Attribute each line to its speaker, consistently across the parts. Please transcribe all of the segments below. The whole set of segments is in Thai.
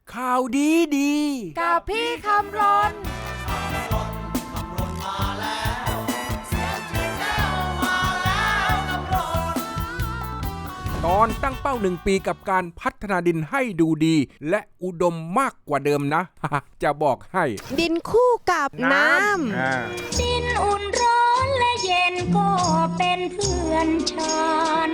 Speaker 1: ข่าวดีดี
Speaker 2: กับพี่คำรน
Speaker 1: ตอนตั้งเป้า1 ปีกับการพัฒนาดินให้ดูดีและอุดมมากกว่าเดิมนะ จะบอกให้
Speaker 2: ดินคู่กับน้ำ
Speaker 3: ดินอุ่นร้อนและเย็นก็เป็นเพื่อนฉัน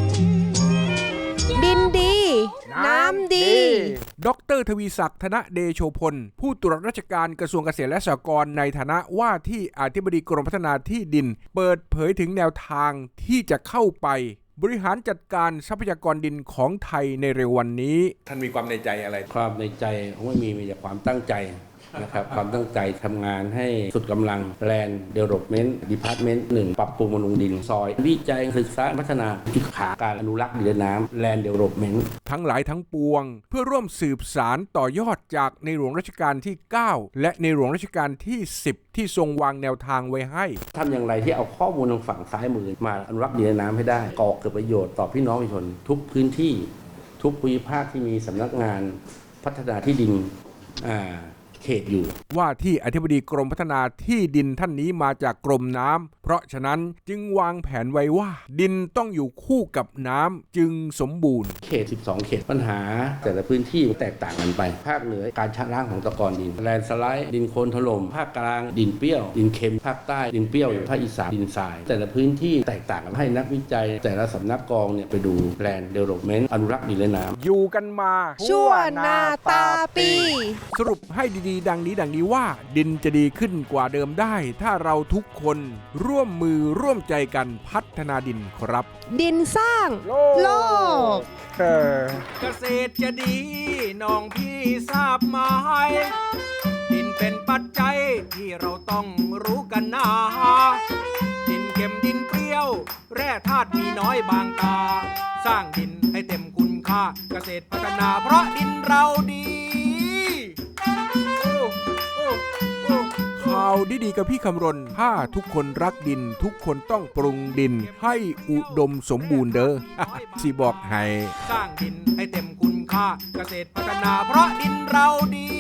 Speaker 2: ดินดีน้ำดี
Speaker 1: ดร.ทวีศักดิ์ธนเดโชพลผู้ตรวจราชการกระทรวงเกษตรและสหกรณ์ในฐานะว่าที่อธิบดีกรมพัฒนาที่ดินเปิดเผยถึงแนวทางที่จะเข้าไปบริหารจัดการทรัพยากรดินของไทยในเร็ววันนี้ท่านมีความในใจอะไร
Speaker 4: ความในใจไม่มีแต่ความตั้งใจนะครับความตั้งใจทำงานให้สุดกำลัง Land Development Department 1 ปรับปรุงบำรุงดินซอยวิจัยศึกษาพัฒนาจุดขาการอนุรักษ์ดินและน้ำ Land Development
Speaker 1: ทั้งหลายทั้งปวงเพื่อร่วมสืบสารต่อยอดจากในหลวงรัชกาลที่ 9 และในหลวงรัชกาลที่ 10 ที่ทรงวางแนวทางไว้ให้
Speaker 4: ทำอย่างไรที่เอาข้อมูลทางฝั่งซ้ายมือมาอนุรักษ์ดินและน้ำให้ได้ก่อเกิดประโยชน์ต่อพี่น้องประชาชนทุกพื้นที่ทุกภูมิภาคที่มีสำนักงานพัฒนาที่ดินเขตอยู่
Speaker 1: ว่าที่อธิบดีกรมพัฒนาที่ดินท่านนี้มาจากกรมน้ำเพราะฉะนั้นจึงวางแผนไว้ว่าดินต้องอยู่คู่กับน้ำจึงสมบูรณ์
Speaker 4: เขต12เขตปัญหาแต่ละพื้นที่แตกต่างกันไปภาคเหนือการชะล้างของตะกอนดินแลนด์สไลด์ดินโคลนถล่มภาคกลางดินเปรี้ยวดินเค็มภาคใต้ดินเปรี้ยวภาคอีสานดินทรายแต่ละพื้นที่แตกต่างกันให้นักวิจัยแต่ละสำนักกองเนี่ยไปดูแลนด์เดเวลลอปเมนต์อนุรักษ์ดินและน้ำ
Speaker 1: อยู่กันมา
Speaker 2: ชั่วนาตาปี
Speaker 1: สรุปให้ดีๆดังนี้ว่าดินจะดีขึ้นกว่าเดิมได้ถ้าเราทุกคนร่วมมือร่วมใจกันพัฒนาดินครับ
Speaker 2: ดินสร้างโลก
Speaker 1: เกษตรจะดีน้องพี่ทราบไหมดินเป็นปัจจัยที่เราต้องรู้กันนะดินเค็มดินเปรี้ยวแร่ธาตุมีน้อยบางตาสร้างดินให้เต็มคุณค่าเกษตรพัฒนาเพราะดินเราดีข่าวดีๆกับพี่คำรณถ้าทุกคนรักดินทุกคนต้องปรุงดินให้อุดมสมบูรณ์เด้อ สิบอกให้
Speaker 3: สร้างดินให้เต็มคุณค่าเกษตรพัฒนาเพราะดินเราดี